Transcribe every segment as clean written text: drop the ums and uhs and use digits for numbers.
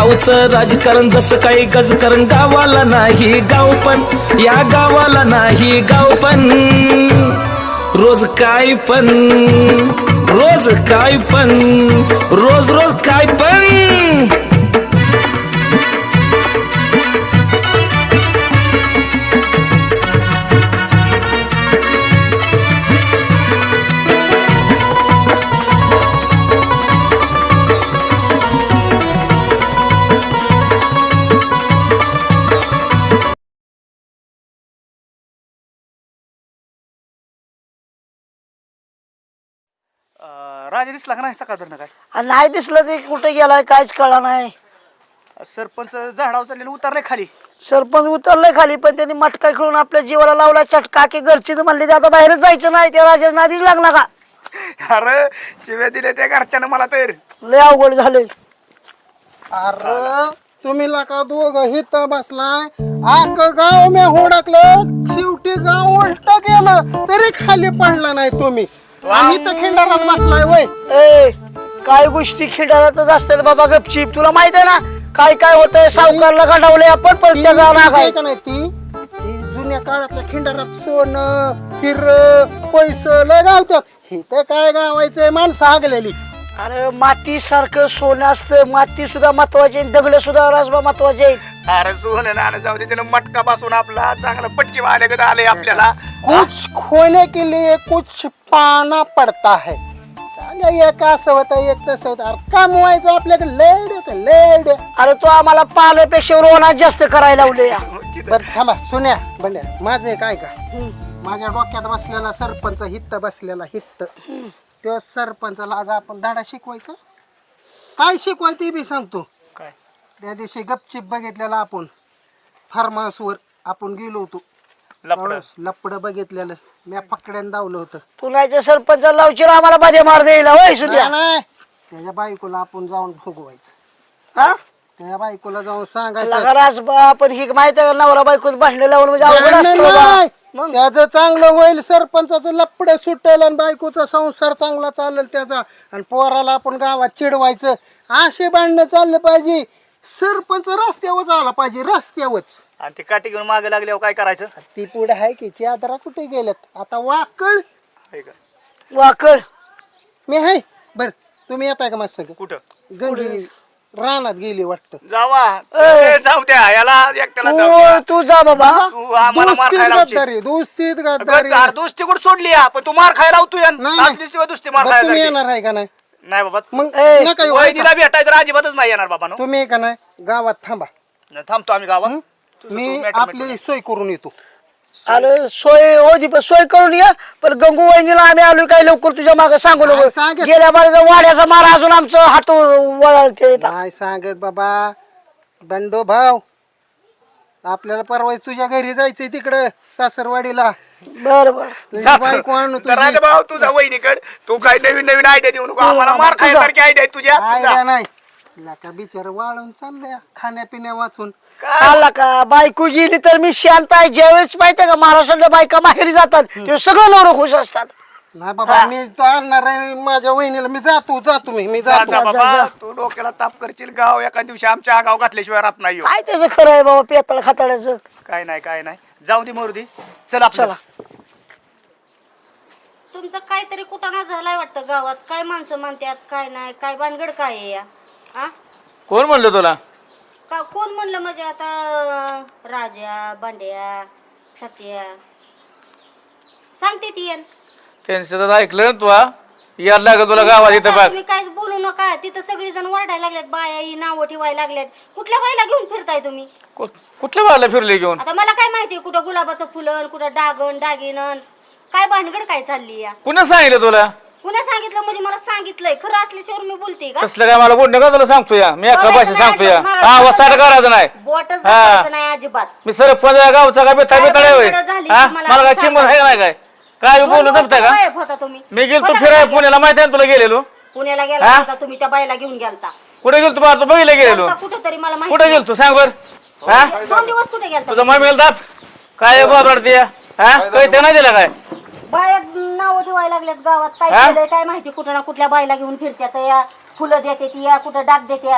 गावचं राजकारण जसं काही गजकारण गावाला नाही गाव पण या गावाला नाही गाव पण रोज काय पण रोज काय पण रोज रोज काय पण राजा दिसला का नाही सकाळ धरणं काय नाही दिसलं ते कुठे गेलाय काहीच कळलं नाही. सरपंच झाडावर चाललेलं उतरले खाली. सरपंच उतरलंय खाली पण त्यांनी मटका खेळून आपल्या जीवाला लावला चटका की घरची म्हणले ते आता बाहेरच जायचं नाही त्या राजा नादीच लागला का. अरे शिव्या दिले त्या घरच्यानं मला तर लय अवघड झालंय. अरे तुम्ही लका दोघ हित बसलाय आक गाव मी हुडकलं शेवटी गाव उलट गेलं तरी खाली पडला नाही तुम्ही आम्ही तर खिंडारात बसलाय वय. ए काय गोष्टी खिंडारातच असतात बाबा गपचीप. तुला माहित आहे ना काय काय होतंय. सावकारला गंडावले आपण पण त्याचा राग आहे का नाही ती जुन्या काळातल्या खिंडारात सोनं हिर पैसे लय गावतात हे तर काय गावायचंय माणसं हागलेली. अरे माती सारखं सोनं असतं. माती सुद्धा महत्वाची आहे, दगड सुद्धा राजबा महत्वाचे आहेत. अरे सोनं नाणं जाऊ दे त्यानं मटका बसून आपला चांगला पटकी वाले गद आले आपल्याला. कुछ खोने के लिए कुछ पाना पड़ता है. एक असं होतं एक तसं होतं. अरे कमवायचं आपल्याकडे लेड येतं लेड. अरे तो आम्हाला पाण्यापेक्षा रोनात जास्त करायला लावले. बरं थांबा सुन्या बंड्या माझं एक ऐका. माझ्या डोक्यात बसलेला सरपंच हित्त बसलेला हित्त त्या सरपंचाला आज आपण धडा शिकवायचा. काय शिकवाय ते बी सांगतो. काय त्या दिवशी गपचिप बघितलेला आपण फार्म हाऊसवर आपण गेलो होतो. लपड बघितलेलं मी फकड्यानं दावलं होतं. पुण्याच्या सरपंच लावची आम्हाला मध्ये मार द्यायला होय सुद्या. नाही त्याच्या बायकोला आपण जाऊन भोगवायचं. हा त्या बायकोला जाऊन सांगायचं राजबा आपण ही माहिती आहे का नवरा बायको भांडण लावून म्हणजे अवघड असतं बाबा. मग त्याचं चांगलं होईल सरपंचाचं लपड सुटेल आणि बायकोचा संसार चांगला चालेल त्याचा आणि पोराला आपण गावात चिडवायचं. असे भांडणं चाललं पाहिजे. सरपंच रस्त्यावर आला पाहिजे रस्त्यावरच. आणि ते काठी घेऊन मागे लागल्यावर काय करायचं. ती पुढे आहे की चादरा कुठे गेल्यात आता वाकळ आहे का? वाकड मी आहे. बर तुम्ही येताय का माझ्या संग. कुठं गंगी रानात गेली वाटतं. जावा ए, जाऊ द्या याला एकट्याला जाऊ द्या. तू जा बाबा. तू आम्हाला मार दोस्तीत खायला लावशील. गद्दारी दोस्तीत गद्दारी. अरे दोस्ती कुठं सोडली या पण तू मार खायला लावतो या. नाही, नाचलीस तेव्हा दोस्ती मार बरं, खायला तुम्ही सारखी. येणार आहे का नाही. नाही बाबा मग ए, नका येऊ, ऐका. वहिनीला भेटायचं तर अजिबातच नाही येणार बाबा. तुम्ही का नाही गावात थांबा. थांबतो आम्ही गावात. मी आपली सोय करून येतो. अरे सोय होती पण सोय करून या. पण गंगू वहिनीला आम्ही आलो काय लवकर तुझ्या मागे सांगू नको. काय सांगत? गेल्या बारीचा वाड्याचा मार अजून आमचं हात वळते. काय सांगत बाबा बंडो भाऊ आपल्याला परवा तुझ्या घरी जायचंय तिकडं सासरवाडीला. बर बर तुझी बायको आणू तुझी. राजा भाऊ तुझा वहिनीकड तू काय नवीन नवीन आयडिया देऊ नको आम्हाला. मार खायसारखी आयडिया आहे तुझ्या. आयडिया नाही का बिचार वाळून चाललंय खाण्यापिण्या वाचून. आला का बायको गेली तर मी शांत आहे. ज्यावेळेस माहितीये का महाराष्ट्रातल्या बायका माहेरी जातात ते सगळं नवरं खुश असतात. नाही बाबा मी तो आणणार आहे माझ्या वहिनीला. मी जातो मी जातो. जा बाबा तू डोक्याला ताप करशील. गाव एका दिवशी आमच्या गाव घातल्याशिवाय राहत नाही हो. काय त्याचं खरं आहे बाबा पेताळ खाताड्याचं. काय नाही जाऊ दे मोरदी. चला चला तुमचं काहीतरी कुटाणा झालाय वाटतं गावात. काय माणसं म्हणतात काय नाही काय भानगड काय आहे या. हा कोण म्हणलं तुला. का कोण म्हणलं म्हणजे आता राजा बांड्या सत्या सांगते ती येन. त्यांचं ऐकलं ना तू यायला लागत तुला गावात इथं बघ. तुम्ही काय बोलू नका. तिथं सगळी जण वरडायला लागल्यात. बाया ही नावं ठेवायला लागल्यात. कुठल्या बाईला घेऊन फिरताय तुम्ही. कुठल्या बाळाला फिरले घेऊन. आता मला काय माहिती कुठं गुलाबाचं फुलन कुठं डागण दागिनन काय भानगड काय चालली या. कुणा सांगितलं तुला. कुणा सांगितलं म्हणजे मला सांगितलंय. खरं असल्याशिवाय मी बोलते का. कसलं काय मला बोलणं का तुला सांगतो या. मी एका भाषेत सांगतो या. हा वसाट करायचं नाही. बोटच दाखवायचं नाही अजिबात. मी सरपंच गावचा काय बेता बेताळ होय. हा मला काय चिंबन आहे का नाही काय काय बोलू जमतंय का. गायब होता तुम्ही. मी गेलतो फिराय पुण्याला माहिती आहे ना तुला गेलेलो. पुण्याला गेला होता तुम्ही त्या बाईला घेऊन गेलता. कुठे गेलतो बाहेर तू बघितलं गेलेलो. कुठेतरी मला माहिती कुठे गेलतो सांग बर. हा 2 दिवस कुठे गेलता. तुझा मम्मीला दाब काय बोलते हा काही ते नाही दिला काय. बाया नाव ठेवायला लागल्यात गावात. काय केलंय काय माहिती. कुठं ना कुठल्या बाईला घेऊन फिरत्यात. या फुलं देते ती या कुठं डाग देतात.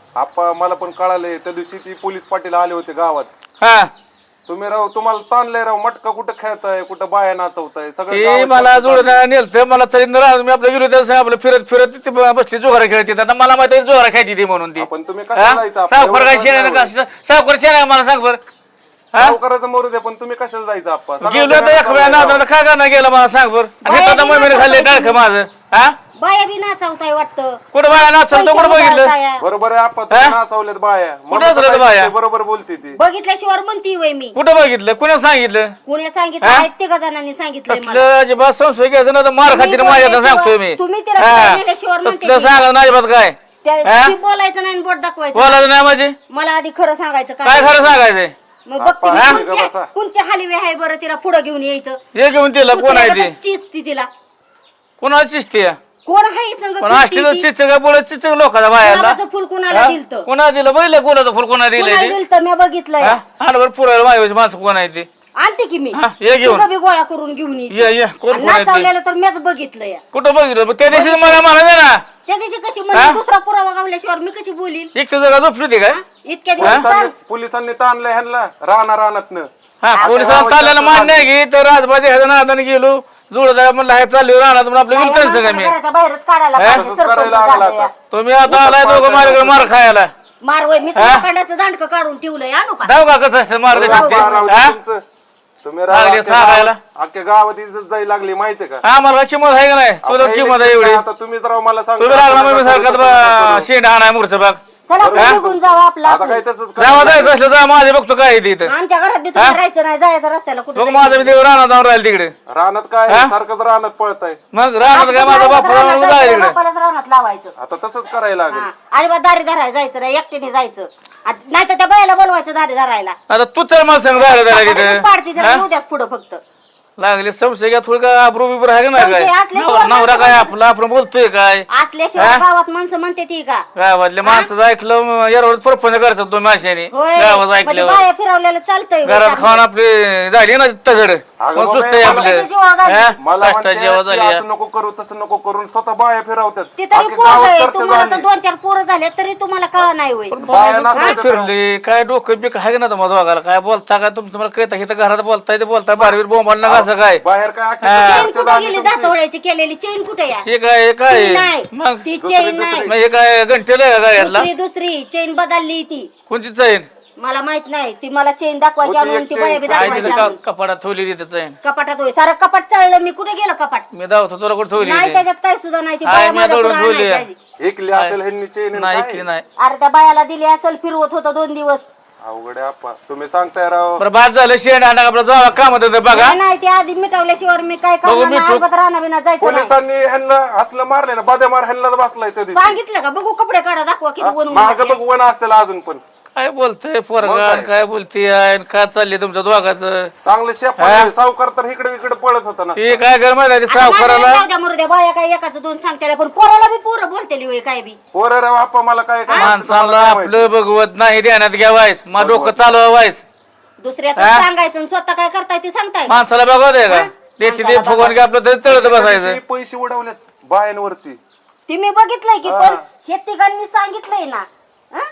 आप्पा मला पण कळाले त्या दिवशी ती पोलीस पाटील आले होते गावात. हा तुम्ही राव तुम्हाला ताणलंय राव, मटका कुठं खेळताय, कुठं बाया नाचवताय, सगळं ते गावात मला चर्चा जुळून चालली. नेलतं मला तरी मी आपलं गेलो त्या आपलं फिरत फिरत ते बसली जोहारा खेळते आता मला माहिती जोहारा खेळते ती म्हणून ती आपण तुम्ही कशाला जायचं? आपलं सावकार काय एवढं शेण चाललंय. सावकार शेण आहे मला सांग बरं. सावकाराचं मरू द्या, पण तुम्ही कशाला जायचं आप्पा? सगळं गेलो तर एक वेळा चाललंय नादाला का नाही गेला मला सांग बरं. बाया आता बी मम्मीने खाल्ले नाचवताय टाळक माझं. हा बाया बी नाचवताय वाटतं. कुठं बाया नाचल तो कुठं बघितलं उधळताय. बरोबर आहे आप्पा, तुम्ही नाचवलेत बाया. मग नाचवलेत काय बाया? ते बरोबर बोलते ती. बघितल्याशिवाय म्हणती वय मी. कुठं बघितलं कुणा सांगितलं कुणी सांगितलं आहेत ते जणांनी सांगितलंय मला. तसलं अजिबात संशय घ्यायचं ना तर मार खाची तुम्ही माझ्या बोलल्याशिवाय- सांगतोय मी. तुम्ही तिला हा. बोलल्याशिवाय म्हणते तसलं ती. सांगा नाही अजिबात काय हा? ती बोलायचं नाही आणि बोट दाखवायचं बोलायचं नाही माझे मला आधी खरं सांगायचं काय खरं सांगायचंय. मग बघते मी हा? कोणच्या- कोणच्या हालवे आहे बरं तिला पुढे घेऊन यायचं. हे घेऊन तिला कोण आहे ते चिसती तिला कोणाला चिसते कोण आहे संग पण फिरती असतील ती? चिचक बोलत चिचक लोकांना बायाला गुलाबाचं फुल कुणाला दिलतं? कोणा दिलं बघितलं कोणाचं फुल कोणा दिलंय कुणाला ते दिलतं मी बघितलंय. बरोबर पुरायला माझ्या माणसं कोण आहे ते आणते की मी हा, ये घेऊन. तुला बी गोळा करून घेऊन ये ये कोण आणि कोण आहे ते नाचावलेलं तर मीच बघितलंय. कुठं बघितलं मग त्या दिवशी मला म्हणायचं ना त्या दिवशी कशी म्हणजे दुसरा पुरावा गावल्याशिवाय मी कशी बोलील. एक जगा झोपली होती काय इतक्या दिवस पोलिसांनी ताणलंय ह्यांना रानातनं. हा पोलिसांना चालल्याला मान्य आहे की तर राजबाजी ह्याच्या नादाने गेलो जोडदार म्हणलं हे चालू राहणार म्हणून आपलं गेलं त्यांचं काय मी घराच्या बाहेरच काढायला पाहिजे, तसंच सरपंच करायला लागला झालंय. आता. तुम्ही आता आलाय दोघं माझ्याकडे मार खायला मारवय मी कांड्याचं दांडकं काढून ठेवलंय आणू का. जाऊ का कसं असतं मार राव दे हा तुमचं. तुम्ही लागले सांगायला. अख्ख्या गावात इज्जत जाई लागली माहितीये का? आम्हाला चिमत आहे का नाही तुझंच किंमत आहे एवढी आता तुम्हीच राव मला सांगा. तुम्ही लागला मग सारखा शेंड आणाय मूर्च बाग चला आपण निघून जाऊ आपला आता काय तसंच करा. जावा जायचं असलं जा माझे बघतो काय आहे ते इथं आमच्या घरात बी तुम्ही राहायचं नाही जायचं रस्त्याला कुठे बघ माझं मी देव राहणार जाऊन राहील तिकडे रानात काय सारखंच रानात पळताय. मग राहणार काय माझा बाप जाय तिकडे बापालाच रानात लावायचं. आता तसंच करायला लागेल. हा. अजिबात दारी धरायला जायचं नाही एकटीने जायचं नाही तर त्या बायाला बोलवायचं दारी धरायला. आता तू चल मला सांग जायला पाडती तिथे त्याला उद्याच पुढं फक्त लागले संशय घ्या थोडं काय आबरू बिबरू आहे का नाही काय संशय असल्याशिवाय नवरा काय आपला आपण बोलतोय काय असल्याशिवाय गावात माणसं म्हणते ती का. गावातले माणसं ऐकलं यावर परपंच करायचं दोन माशाने होय गावात म्हणजे ऐकलं बाया फिरवलेलं चालतंय होय घरात चांगलं. खाऊन आपली झाली ना तगड अगं मग सुस्त बाबा, आपले जीवा झाली. मला कष्टा म्हणते जेव्हा की झाली असं नको करू तसं नको करून स्वतः बाया फिरवतात. ते तरी अख्ख्या पोरं गावात आहे. चर्चा तुम्हाला तर झाली. 2-4 पोरं झाले तरी तुम्हाला कळा नाही होय. बाया नाचवतात. फिरली काय डोकं बिक आहे का ना तुम्हाला दोघाला काय बोलता काय तुम्हाला कळता इथं घरात बोलताय ते बोलताय बारवीर बोंबाल ना कसं काय बाहेर काय अख्खी हा. चेन चर्चा कुठे झाली गेली तुमची. दातोळ्याची केलेली चेन कुठे या हे काय हे काय ती नाही मग ती चेन नाही मग हे काय घंटेल आहे का गायला दुसरी चेन बदलली ती कोणची चैन मला माहित नाही ती मला चेन दाखवायची होती आणून एक ती chain. बाया बी काय दाखवायची तिथं आणून. कपाटात ठेवली तिथं चैन कपाटात होय सारं कपाट चाललं मी कुठे गेलं कपाट मी दावतो तुला कुठे ठेवली नाही ती? त्याच्यात काय सुद्धा नाही ती हाय, बाया मी माझ्या दौडून पुढं ठेवली आणायची आधी. ऐकली असेल ह्यांनी चेन नाही ऐकली नाही अरे त्या बायाला दिली असेल फिरवत होतं 2 दिवस अवघड आहे आप्पा. तुम्ही सांगताय राव. बरं बाद झालं शेण आणा आपलं जावा कामात होतं बघा नाही, नाही ती आधी मिटवल्याशिवाय मी काय बघू, करणार नाही. मिटू. अजिबात रानाबिना जायचं नाही. पोलिसांनी ह्यांना असलं मारले ना बद्या मार ह्यांना बसलाय त्या दिवशी. सांगितलं का बघू कपडे काढा दाखवा किती बनवून माग बघ वन असतील अजून पण. काय बोलतय पोरगा काय? काय बोलतीय काय चाललंय तुमच्या दोघाचं चांगलं शेप सावकार तर इकडे तिकडे पळत होता ना. ते काय कर माहिती सावकाराला मरुद्या बाया काय एकाचं 2 सांगते पण पोराला बी पोरं बोलतेली होय काय बी. पोरं राव आप्पा मला काय काय माणसाला आपलं बघवत नाही ध्यानात घ्यावायच मग डोकं चालवायच दुसऱ्याचं सांगायचं आणि स्वतः काय करताय ते सांगताय का? माणसाला बघवत आहे का त्याची ते फुगवून की आपलं तरी चढत बसायचं पैसे- पैसे उडवलेत बायांवरती. ती मी बघितलंय की पण हे तिघांनी सांगितलंय ना हं?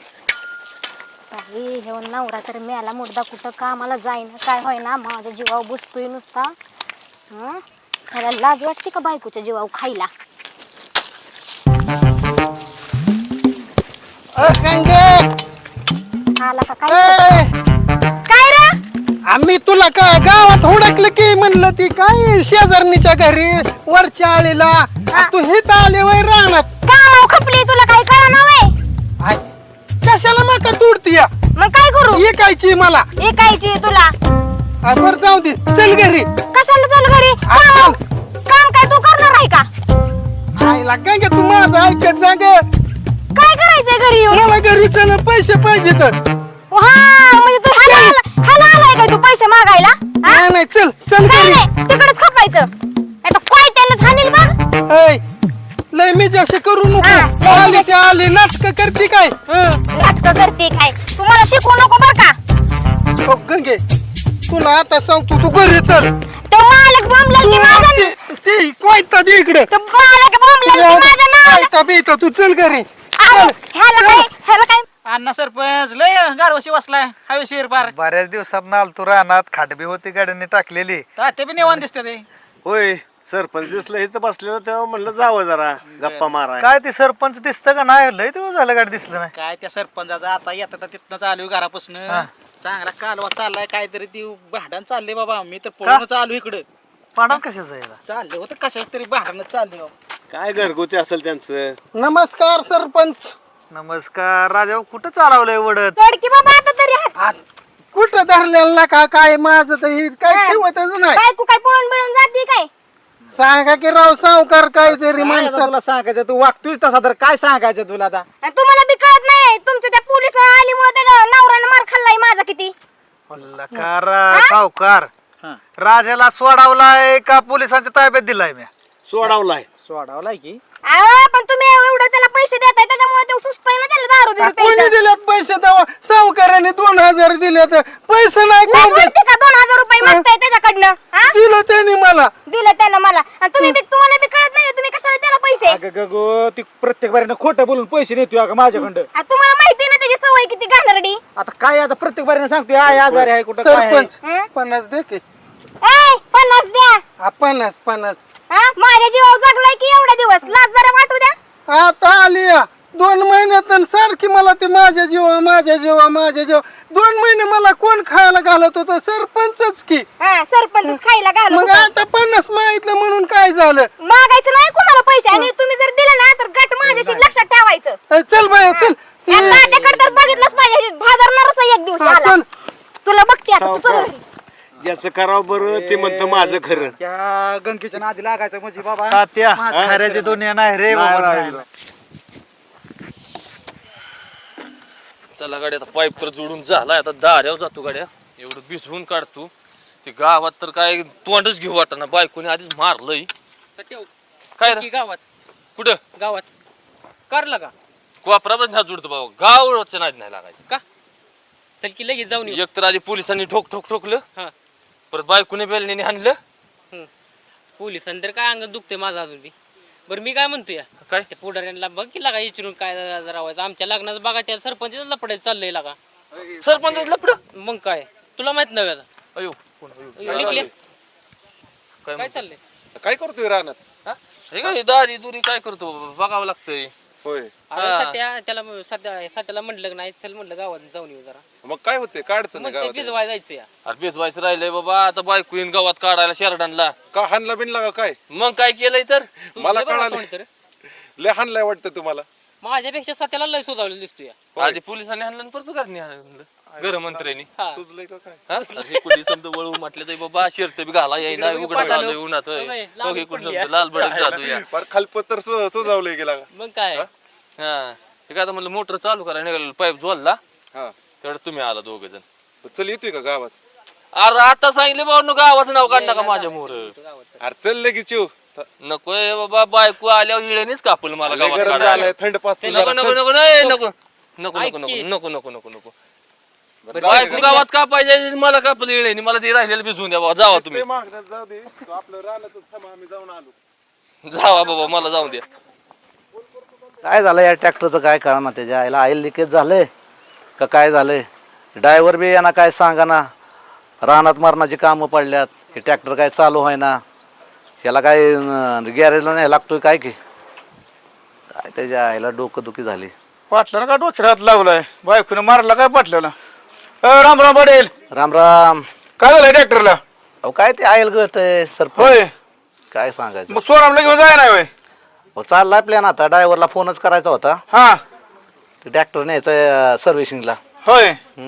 काही हे नवरा तर मेला मुर्दा कुठं कामाला जाईना काय होईना माझ्या जीवावर बसतोय नुसता हं? त्याला लाज वाटते का बायकोच्या जीवावर खायला आला का काय काय रे आम्ही तुला काय गावात हुडकलं की म्हणलं ती काय शेजारणीच्या घरी वरच्या आळीला तू हित आले वय राहणार कामाव खपली तुला काय कळना वय आय, कशाला मका तुडती या मग काय करू ऐकायची मला ऐकायची तुला बर जाऊ दे चल घरी कशाला चल घरी चल. काम काय तू करणार आहे का आईला काय ग तू माझं ऐकत जा ग काय करायचंय घरी येऊन मला घरी चल पैसे पाहिजे तर हा म्हणजे तू ह्याला आलाय काय तू पैसे मागायला हा? नाही नाही चल चल काय घरी नाही तिकडेच खपायचं नाही तर काय त्यानं झालेल बघ ऐ, लय मी जसे करू हा, नको लय आलीच्या आली नाटक करते काय नाटक करते काय तुम्हाला शिकवू नको बर का हो गंगे तुला आता सांगतो तू घरी चल तो मालक बोंबलेल की माझ्या ती कोयता दे इकडे तो मालक बोंबलेल की माझ्या नावाला कोयता बेता तू चल घरी अहो, ह्याला काय ह्याला अण्णा सरपंच लय गारवशी बसलाय हवेशीर पार. बऱ्याच दिवसात आलतो रानात खाटबी होती गाड्यांनी टाकलेली. तात्या बी निवांत दिसते ते. होय सरपंच दिसलं इथं बसलेलं तेव्हा म्हणलं जावं जरा गप्पा मारा. काय ते सरपंच दिसतं का नाही? लय दिवस झालं गाडी दिसलं नाही. काय त्या सरपंचाचं आता येतात तिथनं चालू घरापासून चांगला कालवा चाललाय काहीतरी ती भांडण चालले बाबा. मी तर पळून चालू इकडं. पाडा कशाचं याला? चालले होतं कशाच तरी भांडण चालले बाबा. काय घरगुती असेल त्यांचं. नमस्कार सरपंच. नमस्कार राजा. कुठं चालवलंय वडत? चढ की बाबा आता तरी हात. कुठं धरलेला का काय माझं तर हे काय ठेवतच नाही. बायको काय पळून बिळून जाते काय? सांगा की राव सावकार काहीतरी माणसं माणसाला. तुला सांगायचं तू वागतोय तसा तर काय सांगायचं तुला आता. आणि तुम्हाला बी कळत नाही तुमच्या त्या पोलीस आलीमुळे त्याला नवऱ्यानं मार खाल्लाय माझा किती. सावकार राजाला सोडावलाय का पोलिसांच्या ताब्यात दिलाय? मी सोडावलाय. सोडावलाय की अहो पण तुम्ही एवढं त्याला पैसे देताय त्याच्यामुळे ते सुचतंय ना त्याला दारू बिरू कोणी प्यायचं. दिलेत पैसे तेव्हा? सावकाराने 2000 दिले तर पैसे नाही लाज कोण देत? वाटते का 2000 रुपये मागताय त्याच्याकडनं? हा? दिलं त्यांनी मला. दिलं त्यानं मला. आणि तुम्हाला बी कळत नाही तुम्ही कशाला त्याला पैसे. अगं गगो ती प्रत्येक बारीनं खोटं बोलून पैसे नेतोय अगं माझ्याकडं. आणि तुम्हाला माहिती ना त्याची सवय किती घाणेरडी. आता काय आता प्रत्येक बारीनं सांगतोय आय आजारी आहे कुठं काय आहे. सरपंच हं? 50 दे की. ए 50 द्या. 50. हा माझ्या जीवावर जगलाय की एवढा दिवस लाज जरा वाटू द्या. आता आली 2 महिन्यात सारखी मला ते माझ्या जीवा 2 महिने मला कोण खायला घालत होतं? सरपंचच की. हा सरपंच खायला घालत मग होता. आता 50 माहितलं म्हणून काय झालं? मागायचं नाही कोणाला पैसे आणि तुम्ही जर दिले ना तर गट माझ्याशी लक्षात ठेवायचं. चल बाया चल. या तात्याकडे तर बघितलंच पाहिजे भादरणारच एक दिवस हा, आला. चल. तुला बघते आता तू चल सावकार. घरी. ज्याचं करावं बरं ते म्हणतं माझं खरं. त्या गंगेच्या नादी लागायचं म्हणजे बाबा तात्या खऱ्याची दुनिया नाही रे बाबा. नाही. चला गाड्या आता पाईप तर जोडून झालाय आता दाऱ्यावर जातो गाड्या. एवढं भिजवून काढतो ते गावात तर काय तोंडच घेऊ वाटना. बायकोने आधीच मारलंय. काय रे? गावात कुठं गावात करला का कोपरातच नाही जोडतो बाबा. गावच्या नाद नाही लागायचं. का चल की लगेच जाऊन येऊ. एक तर आधी पोलिसांनी ठोकलं. हा परत बायकोने बेलण्याने हाणलं. पोलिसांनी तर काय अंग दुखते माझं अजून बी. बरं मी काय म्हणतोय काय त्या पुढाऱ्यांना बघ की लागा विचारून काय राहायचं आमच्या लग्नाचं बघा त्या सरपंच लपडायचं चाललंय लागा. सरपंच लपड. मग काय तुला माहित नव्हे आता. अयो निघले काय चाललंय. काय करतोय रानात? हा? हे काय दारी दुरी काय करतो बघावं लागतंय. होय. अरे सध्याला म्हटलं की नाही चल म्हटलं गावात जाऊन येऊ जरा. मग काय होते काढचं मग नाही ते गावात? भिजवाय जायचं या. अरे बेसवायचं राहिलंय बाबा. आता बायको येईन गावात काढायला शेरडांना. का हाणला बिनला का काय? मग काय केलंय तर मला लय बरं कळालं. कोणीतरी. लय हाणलाय वाटतं तुम्हाला. माझ्यापेक्षा सध्याला लय सुधावलेलं दिसतोय या. आधी पोलिसांनी हाणलं आणि परत घरनी हाणलं. गृहमंत्र्यांनी. हा सुचलंय का काय? हा? अरे हे कुणी समजा वळू म्हटलं तर बाबा शर्ट बी घाला येईना उघडं घालू उन्हात. ओके कुणी समजा लाल भडक जातो या. फार खालपत्तर सुजावलंय गेला का? मग काय हा हे काय आता म्हणलं मोटर चालू करा निघाल पाईप जोडला हा तेवढं तुम्ही आला दोघ जण. चल येतोय का गावात? अरे आता सांगितले बाबा गावाचं नाव काढ नका माझ्या मोर. अरे चल लगेच चिव. नकोय बाबा बायको आल्यावर इळेनीच कापल मला लय गावात गरम काढायला. झालंय, थंड पाचतो नको जरा. नको नको नाही नको नको नको नको नको नको नको नको बायको गावात का पाहिजे मला कापल इळेनी मला ते राहिलेलं भिजवून द्या बाबा. जावा तुम्ही ते मागण्यात जाऊ दे. तू आपलं रानातच थांब, आम्ही जाऊन आलो. जावा बाबा मला जाऊन द्या. काय झालं या ट्रॅक्टरचं काय कळना त्याच्या आईला ऑइल लिकेज झालंय का काय झालंय? ड्रायव्हर बी यांना काय सांगा ना. रानात मरणाची कामं पडल्यात. हे ट्रॅक्टर काय चालू आहे ना. ह्याला काय गॅरेजला नाही लागतोय काय की काय त्याच्या आईला डोकंदुखी झाली. पाटल्यानं का डोक्यात हात लावलाय? बायकोने मारला काय पाटल्याला? राम राम पडेल. राम राम. काय झालंय ट्रॅक्टरला? अहो काय ते आयल गळत आहे सरपंच. होय. काय सांगायचं. मग सोनामला घेऊन जाय नाही होय? अहो चाललाय प्लॅन आता. ड्रायव्हरला फोनच करायचा होता. हा ते ट्रॅक्टर न्यायचं सर्व्हिसिंगला. होय.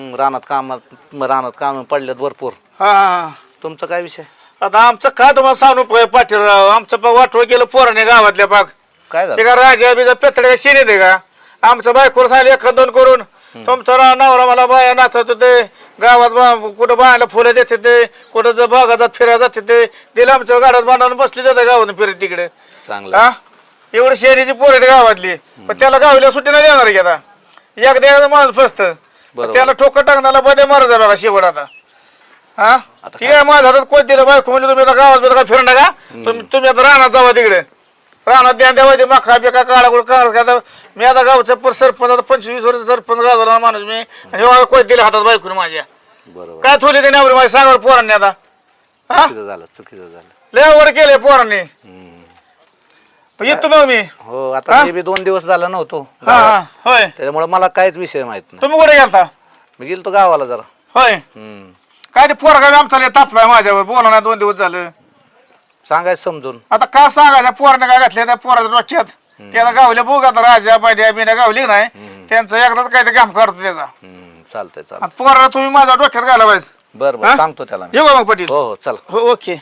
रानात काम पडल्यात भरपूर. हा हा. तुमचा काय विषय? आता आमचं काय तुम्हाला सांगू पाटील राव. आमचं वाटोळ केलं पोराने गावातल्या पाक. काय झालं? ते का राजा बिजा पेतड्या शेणी दे का? आमचं बायकोर सांगितलं 1-2 करून. तुमचा नवरा मला बाया नाचत होते गावात. कुठं बायाला फुलं देते ते कुठं जर बागाजात फिरायला जाते ते दिलं आमच्या गाड्यात बांधून बसली जाते गावातून फिरत तिकडे. चांगलं. हा एवढी शहरीची पोरं आहेत गावातली. पण त्याला गावल्या सुट्टी नाही देणार की आता. एकदा माणूस फसत त्याला ठोकर टाकण्याला मध्ये मारत आहे बघा शेवट आता. हा ठीक आहे माझ्या हातात कोण दिलं बायको म्हणजे तुम्ही आता गावात काय फिरणं का? तुम्ही आता राहणार जावा तिकडे. रानात द्यावायचे मका बिका काढा मी आता गावचा सरपंच आता 25 वर्ष सरपंच गावला माणूस मी आणि कोण दिले हातात बायकून माझ्या बरोबर काय थोडी ते नवरी माझ्या सांगावर पोरांनी आता हा चुकीचं झालं लय वर केले पोरांनी येतो मग मी हो आता मी बी 2 दिवस झाला नव्हतो हा हा होय त्याच्यामुळे मला काहीच विषय माहित नाही. तुम्ही कुठे गेलता मी गेलतो गावाला जरा. होय काय ते पोरगा आमचा लय तापलाय माझ्यावर बोला ना 2 दिवस झालं सांगायचं समजून. आता का सांगायचं पोराने काय घातले त्या पोराच्या डोक्यात त्याला गावल्या बघ आता राजा पायड्या बिन्या गावली नाही त्यांचं एकदाच काय ते काम करतो त्याचा चालतंय चालतंय. पोराला तुम्ही माझ्या डोक्यात घाला पाहिजे. बरं बरं सांगतो त्याला मी. येऊ का मग पटील? हो हो चल. हो ओके.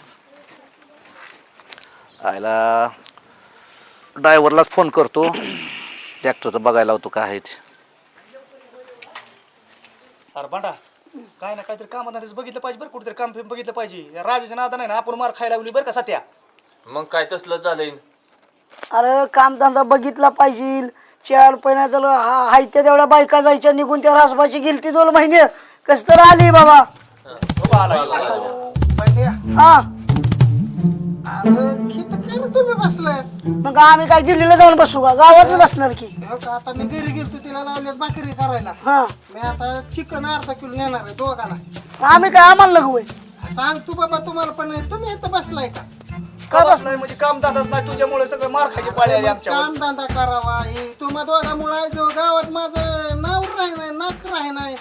आयला ड्रायव्हरलाच फोन करतो ट्रॅक्टरचं बघायला होतो काय आहे ते. अरे बांडा काय ना काहीतरी कामात बघितलं पाहिजे बरं कुठेतरी काम बघितलं पाहिजे या राजाच्या नादा नाही ना आपण मार खायला लागली बरं का सत्या. मग काय तसलं झालंय अरे कामधंदा बघितला पाहिजे 4 रुपये नाही तर हाय त्या तेवढ्या बायका जायच्या निघून त्या रासबाची गेलती 2 महिने कस तर आली बाबा. हा अरे किती काय तुम्ही बसलाय मग आम्ही काय दिल्लीला जाऊन बसू का गावातच बसणार की. हो का, आता मी घरी गेलतो तिला लावल्यात भाकरी करायला. हा मी आता चिकन अर्धा किलो नेणार आहे दोघाला. आम्ही काय आम्हाला लगवय सांग तू बाबा तुम्हाला पण नाही तुम्ही इथं बसलाय का का बस नाही म्हणजे काम दादाच नाही तुझ्यामुळे सगळं मार खायची पाळी आली आमच्या काम धंदा करावा हे तुम्हा दोघामुळे गावात माझं नाव राही नाही नाक राही नाही.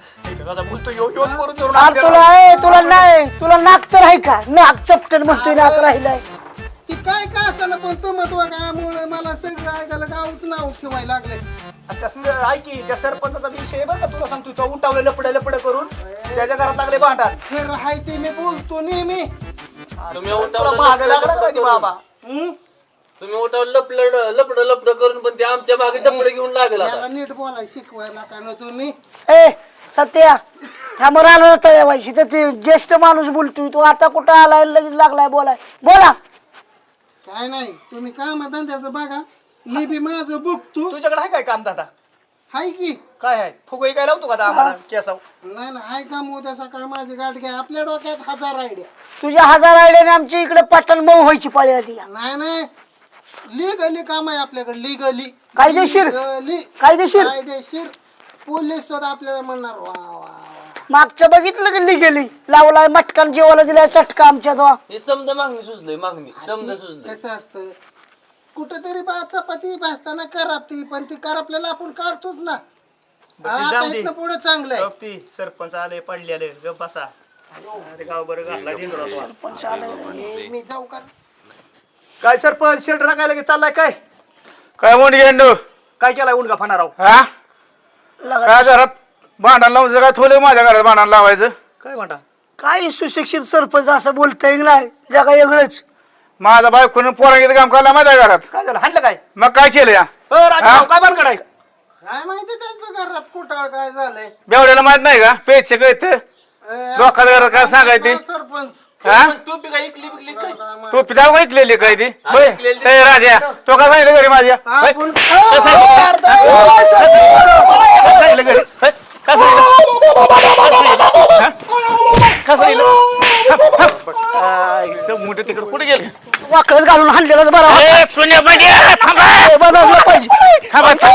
अरे तुला नाही तुला नाक तर आहे का नाक चपटन म्हणतोय नाक राहिलाय. ती काय काय असं पण तुम्हा दोघामुळे मला सगळं ऐकायला गावच नाव ठेवायला लागले. ऐकी त्या सरपंचाचा विषय बरं का तुला सांगतो तो उठावलं लपड करून त्याच्या घरात लागले भांडण. खरं हाय ते मी बोलतो नेहमी. तुम्ही तुला महाग लागणार पाहिजे बाबा. तुम्ही उठावलं लपड करून पण ते आमच्या मागे डपडे घेऊन लागेल आता. याला नीट बोलाय शिकवायला का ना तुम्ही. ए सत्या थांब राहणार तळ्यावायची तर ते ज्येष्ठ माणूस बोलतोय तू आता कुठं आलाय लगेच लागलाय बोलाय बोला. काय नाही तुम्ही काम धंद्याचं बघा मी बी माझं बघतो. तुझ्याकडे आहे काय काम दादा? हाय की काय आहे फुगई काय लावतो का आम्हाला केसाव? नाही ना हाय काम उद्या सकाळी माझी गाठ घ्या आपल्या डोक्यात 1000 आयडिया. तुझ्या 1000 आयडियाने आमची इकडे पटण मऊ व्हायची पाळी आली. नाही नाही लिगली काम आहे आपल्याकडे लिगली कायदेशीर कायदेशीर कायदेशीर पोलीस सुद्धा आपल्याला म्हणणार वा वा वा. मागचं बघितलं की गेली लावलाय मटकान जेवायला दिलाय चटका आमच्या तो. हे समजा मागणी सुचलंय मागणी समजा सुचलंय. कसं असतं कुठेतरी चपाती भाजताना करापती पण ती करापल्याला आपण काढतोच ना. आता इथनं पुढे चांगलं आहे. सरपंच आले पडलेले गप बसा. गाव बरं घातला सरपंच आलाय. मी जाऊ का काय सरपंच शेड राखायला की चाललाय काय? काय म्हणून गेलो काय केलाय उलगा फणाराव? हा काय घरात भांडण लावून काय थोडे माझ्या घरात भांडण लावायचं काय म्हणता? काय सुशिक्षित सरपंच असं बोलता नाही जगा वेगळंच. माझा बायकोनं पोरांगीत काम करायला माझ्या घरात काय झालं हाणलं काय? मग काय केलं या काय भानगड आहे? काय माहिती त्यांचं घरात कुटाळ काय झालंय. बेवड्याला माहित नाही का पेचे कळत लोकांच्या घरात काय सांगायचे सरपंच टोपी काय इकली बिकली काय? टोपी दाव ऐकलेली काय ती राजा तो का सांगितलं घरी माझ्या आपण सांगितलं घरी मोठे तिकडे कुठे गेले वाकडत घालून हाणलेलाच बरा सोन्या बदललं पाहिजे.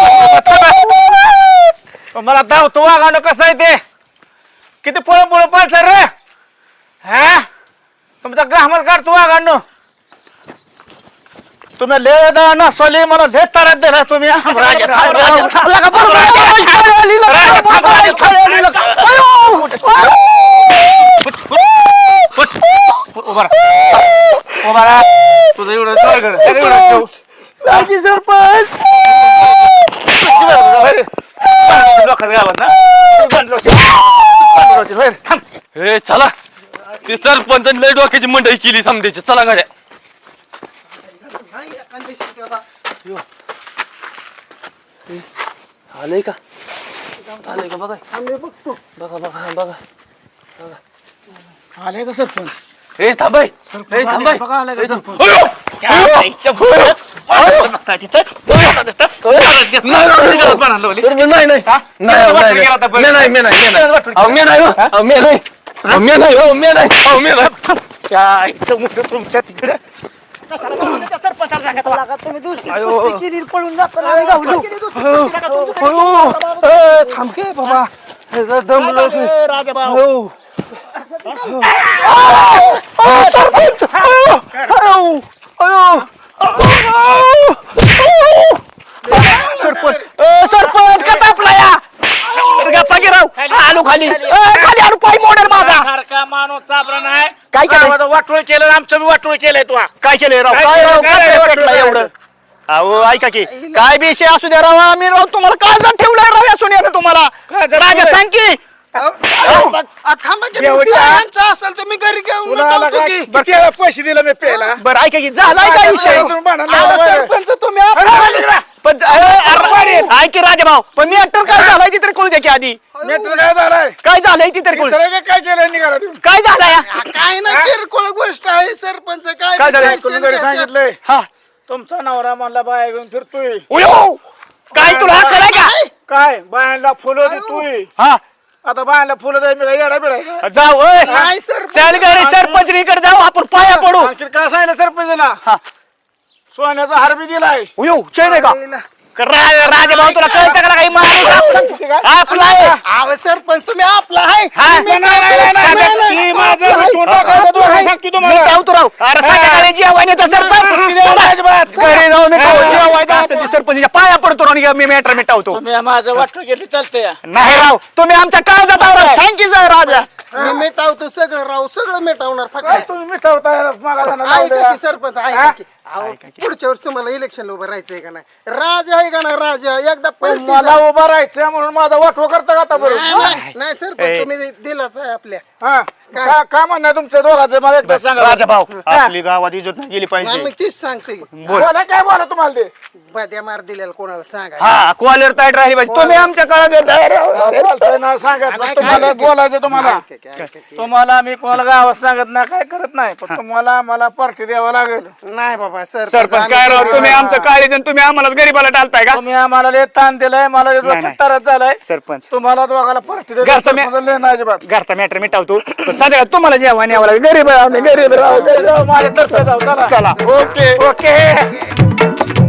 मला धावतो वागाणं कसं आहे ते किती पळ पाळसर रे हा तुमचा ग्राहमात काढतो वागाणं तुम्ही ले नसवली मला ले तारात दिला तुम्ही तुझं एवढं सरपंच हे चला ते सरपंचाने लय डोक्याची मंडई केली समजायची. चला गाड्या आलंय का आलंय का बघा बघा बघा बघा आले का सरपंच. हे थांबाय हे थांबाय तुमच्या तिकडे लागा तुम्ही दुसरी कुस्ती केली, पळून जाताना आम्ही गावलो. थांब के बाबा दमलो सरपंच सरपंच का तापला या गप्पा गिराव आलू खाली खाली आलू पाय मोडेल माझा सारखा माणूस चाबरा नाही काय केलं? वाटोळ केलं आमचं बी वाटोळ केलंय तू काय केलंय राव काय काय राव केलं? काय काय पेटलं एवढं अहो ऐका की काय बी विषय असू द्या राव आम्ही राव तुम्हाला काय जण ठेवलंय राव या सोन्यानं तुम्हाला राजा सांग की असेल तर मी घरी घेऊन पैसे दिले मी पेला बरं ऐका की झालाय काय विषय सरपंच तुम्ही पण ऐक की राजा भाऊ पण मी ऍक्टर काय झालाय ती तरी कळू द्या की आधी मेट्रो काय झालाय काय झालंय ती तरी कळू द्या. काय केलं निघाला काय झालंय काय ना किरकोळ गोष्ट आहे सरपंच काय झालंय? कोणी घरी सांगितलंय हा तुमचा नवरा म्हणला बाया घेऊन फिरतोय उयो! काय तुला हा कराय का काय बायांना फुलं देतोय हा आता बायांना फुलं द्याय मी काय येडा बिडा आहे का? जाऊ नाही सरपंच. चल घरी सरपंचनीकडे जाऊ आपण पाया पडू आणखी काय सांगितलं सरपंचला हा सोन्याचा हार बी दिलाय उयो चैन आहे का राजा भाऊ तुला कळतं का काही माणूस आपला आहे अहो सरपंच तुम्ही आपला आहे हा. ती माझं मिटून टाकायचं दोघं सांगतो मी तुम्हाला धावतो राव अरे संध्याकाळी जेवायचं सरपंच घरी जाऊ मी जेवायचं असेल ते सरपंचच्या पाया पडतो राव मी मॅटर मिटावतो तुम्ही माझं वाटलं गेली चालतंय नाही राव तुम्ही आमच्या काळजात आहो राव सांग की जा राजा मी मिटावतो सगळं राव सगळं मिटावणार काय फक्त तुम्ही मिटवताय मागा ऐका की सरपंच ऐका की अहो, पुढच्या वर्षी तुम्हाला इलेक्शनला उभं राहायचंय का नाही राजा आहे का नाही राजा एकदा पलटी मला उभा राहायचं म्हणून माझा वाटव करता का आता बरोबर नाही सरपंच तुम्ही दिलाच आहे आपल्या हा काय म्हणणं तुमच्या दोघांचं मला एकदा सांगा राजा भाऊ आपली गावात इज्जत नाही गेली मग पाहिजे तीच सांगते बोला काय बोला तुम्हाला ते बद्या मार दिलेला कोणाला सांगा हा कॉलर टाईट राहिली पाहिजे तुम्ही आमच्या काळात ना सांगत तुम्हाला बोलायचं तुम्हाला तुम्हाला मी कोणाला गावात सांगत नाही काय करत नाही पण तुम्हाला मला पार्टी द्यावं लागेल नाही बाबा सरपंच काय राव तुम्ही आमचं काळीज आणि तुम्ही आम्हाला गरीबाला टालताय का तुम्ही आम्हाला लय ताण दिलाय मला लय नाही. त्रास झालाय सरपंच तुम्हाला दोघाला पार्टी घरचं मी- नाही अजिबात घरचा मॅटर मिटावतो सध्या तुम्हाला जेवण यावं लागेल गरीब आहे आम्ही, गरीब राव माझ्या तर्फे जाऊ चला चला ओके